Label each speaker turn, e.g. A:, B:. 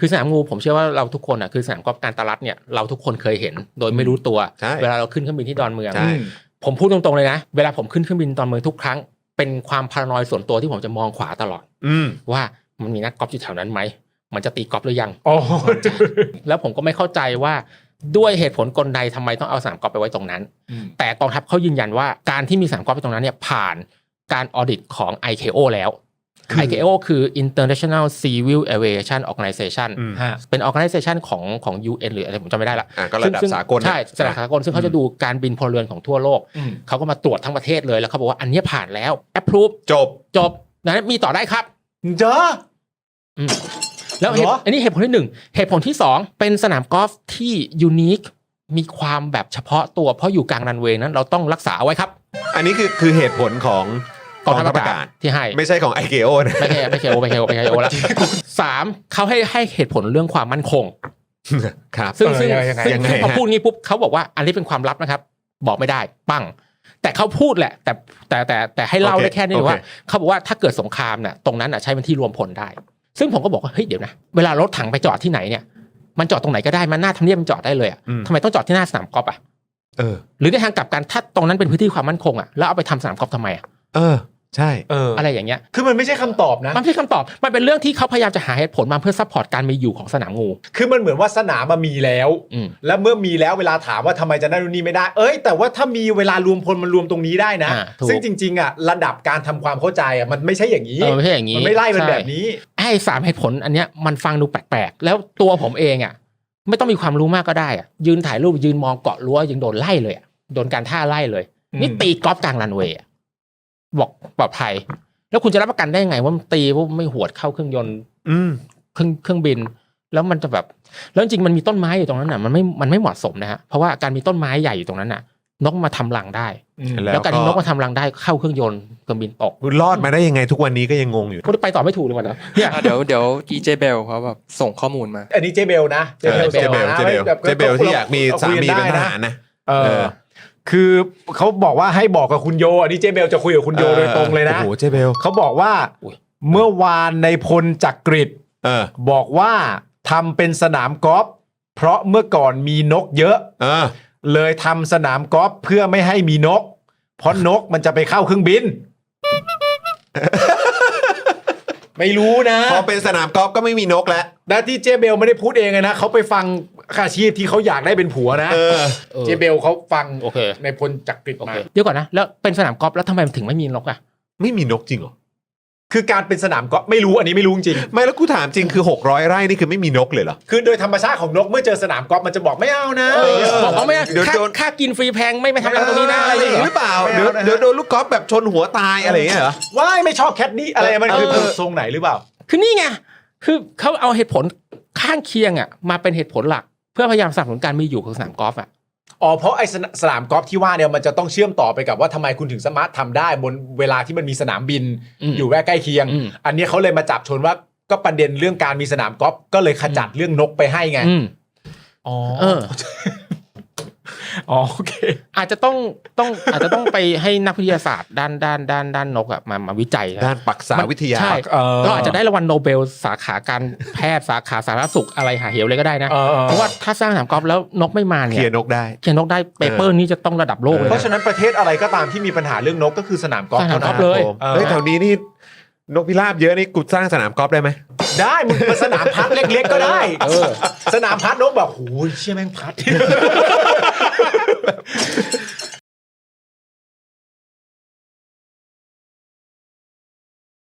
A: คือสนามงูผมเชื่อว่าเราทุกคนอ่ะคือสนามกอล์ฟการตลาดเนี่ยเราทุกคนเคยเห็นโดยไม่รู้ตัวเวลาเราขึ้นเครื่องบินที่ดอนเมืองผมพูดตรงๆเลยนะเวลาผมขึ้นเครื่องบินดอนเมืองทุกครั้งเป็นความพารานอยส่วนตัวที่ผมจะมองขวาตลอดว่ามันมีนักกอล์ฟอยู่แถวนั้นไหมมันจะตีกอล์ฟหรือยังแล้วผมก็ไม่เข้าใจว่าด้วยเหตุผลกลใดทำไมต้องเอาสนามกอล์ฟไปไว้ตรงนั้นแต่กองทัพเขายืนยันว่าการที่มีสนามกอล์ฟไปตรงนั้นเนี่ยผ่านการออดิตของ ICAO แล้ว ICAO คือ International Civil Aviation Organization เป็น organization ของ UN หรืออะไรผมจำไม่ได้ละ
B: ก็ระดับสากล
A: ใช่ระดับสากลซึ่งเขาจะดูการบินพลเรือนของทั่วโลกเขาก็มาตรวจทั้งประเทศเลยแล้วเขาบอกว่าอันนี้ผ่านแล้ว approve จบนั้นมีต่อได้ครับ
C: เจอ
A: แล้วอันนี้เหตุผลที่1เหตุผลที่2เป็นสนามกอล์ฟที่ยูนิคมีความแบบเฉพาะตัวเพราะอยู่กลางรันเวย์นั้นเราต้องรักษาเอาไว้ครับ
B: อันนี้คือเหตุผลของกองทัพอากาศ
A: ที่ให้
B: ไม่ใช่ของ ICAO นะ
A: ไม่ใช่แล้ว3เขาให้เหตุผลเรื่องความมั่นคง
B: ครับ
A: ซึ่งพอพูดงี้ปุ๊บเขาบอกว่าอันนี้เป็นความลับนะครับบอกไม่ได้ปั้งแต่เขาพูดแหละแต่ให้เล่าได้แค่นี้ว่าเขาบอกว่าถ้าเกิดสงครามเนี่ยตรงนั้นใช้เป็นที่รวมพลได้ซึ่งผมก็บอกว่าเฮ้ยเดี๋ยวนะเวลารถถังไปจอดที่ไหนเนี่ยมันจอดตรงไหนก็ได้มันหน้าทำเนียบมันจอดได้เลยอ่ะทำไมต้องจอดที่หน้าสนามกอล์ฟอ่ะหรือในทางกลับกันถ้าตรงนั้นเป็นพื้นที่ความมั่นคงอ่ะแล้วเอาไปทำสนามกอล์ฟทำไมอ่ะ
B: ใช่
A: อะไรอย่างเงี้ย
C: คือมันไม่ใช่คำตอบนะ
A: มันไม่ใช่คำตอบมันเป็นเรื่องที่เขาพยายามจะหาเหตุผลมาเพื่อซัพพอร์ตการมีอยู่ของสนามงู
C: คือมันเหมือนว่าสนามมันมีแล้วแล้วเมื่อมีแล้วเวลาถามว่าทำไมจะนั่นนู่นนี่ไม่ได้แต่ว่าถ้ามีเวลารวมพลมันรวมตรงนี้ได้นะซึ่งจริงๆอ่ะระดับการทำความเข้าใจอ่ะมันไม่ใช่อย่างนี้
A: ไม่ใช่อย่างนี้
C: มันไม่ไล่เป็นแบบนี้
A: ไอ้3เหตุผลอันเนี้ยมันฟังดูแปลกๆแล้วตัวผมเองอ่ะไม่ต้องมีความรู้มากก็ได้อ่ะยืนถ่ายรูปยืนมองเกาะรั้วยังโดนไล่เลยโดนการท่าไล่เลยนี่ตีกอล์ฟกลางรันเวย์บอกปลอดภัยแล้วคุณจะรับประกันได้ไงว่ามันตีว่าไม่หวดเข้าเครื่องยนต์เครื่องบินแล้วมันจะแบบแล้วจริงมันมีต้นไม้อยู่ตรงนั้นน่ะมันไม่เหมาะสมนะฮะเพราะว่าการมีต้นไม้ใหญ่อยู่ตรงนั้นน่ะนกมาทำรังได้แล้วการที่นกมาทำรังได้เข้าเครื่องยนต์เครื่องบินตก
B: รอดมาได้ยังไงทุกวันนี้ก็ยังงงอยู่
A: ก็ไปต่อไม่ถูกเลยวันนะ
D: เนี่ยเดี๋ยว DJ Bell เขาแบบส่งข้อมูลมา
C: อันนี้เจเบลนะ
B: เจเบลที่อยากมีสามีเป็นทหารนะ
C: คือเขาบอกว่าให้บอกกับคุณโยอันนี้เจเบลจะคุยกับคุณโยโดยตรงเลยนะ
B: โอ้โหเจเบล
C: เขาบอกว่าเมื่อวานในพลจักริดบอกว่าทำเป็นสนามกอล์ฟเพราะเมื่อก่อนมีนกเยอะเลยทำสนามกอล์ฟเพื่อไม่ให้มีนกเพราะนกมันจะไปเข้าเครื่องบินไม่รู้นะ
B: พอเป็นสนามกอล์ฟก็ไม่มีนกแล้ว
C: นะที่เจเบลไม่ได้พูดเองนะเขาไปฟังอาชีพที่เขาอยากได้เป็นผัวนะเจเบลเขาฟังในพลจักริดมา
A: เดี๋ยวก่อนนะแล้วเป็นสนามกอล์ฟแล้วทำไมถึงไม่มีนกอ่ะ
B: ไม่มีนกจริงเหรอ
C: คือการเป็นสนามกอล์ฟไม่รู้อันนี้ไม่รู้จริง
B: ไม่แล้วกูถามจริงคือ600ไร่นี่คือไม่มีนกเลยเหรอ
C: คือโดยธรรมชาติของนกเมื่อเจอสนามกอล์ฟมันจะบอกไม่เอานะ
A: บอกเขาไม่ค่ากินฟรีแพงไม่ทำอะไรตรงนี้นะอะไร
B: หรือเปล่าเดี๋ยวโดนลูกกอล์ฟแบบชนหัวตายอะไรอย่างเงี้ยเหรอ
C: ว้ายไม่ชอบแคทนี่อะไรมันคือทรงไหนหรือเปล่า
A: คือนี่ไงคือเขาเอาเหตุผลข้างเคียงอ่ะมาเป็นเหตุผลหลักเพื่อพยายามสนับสนุนการมีอยู่ของสนามกอล์ฟอ่ะ
C: เพราะไอ้สนามกอล์ฟที่ว่าเนี่ยมันจะต้องเชื่อมต่อไปกับว่าทำไมคุณถึงสามารถทำได้บนเวลาที่มันมีสนามบินอยู่ใกล้เคียงอันนี้เขาเลยมาจับชนว่าก็ประเด็นเรื่องการมีสนามกอล์ฟก็เลยขจัดเรื่องนกไปให้ไงโอเค
A: อาจจะต้องไปให้นักวิทยาศาสตร์ด้านนกอ่ะมาวิจัย
B: ด้านปรักษาวิทยา
A: ใช่เราอาจจะได้รางวัลโนเบลสาขาการแพทย์สาขาสาธารณสุขอะไรหาเหวเลยก็ได้นะเพราะว่าถ้าสร้างสนามกอล์ฟแล้วนกไม่มาเนี่ย
B: เขียนนกได้
A: เปเปอร์นี้จะต้องระดับโลกเลย
C: เพราะฉะนั้นประเทศอะไรก็ตามที่มีปัญหาเรื่องนกก็คือสนามกอล์ฟ
A: เลย
B: แถวนี้นี่นกพิราบเยอะนี่กูสร้างสนามกอล์ฟได้ไหม
C: ได้มึงเป็นสนามพัดเล็กๆก็ได้สนามพัดนกแบบโหเชี่ยแม่งพัด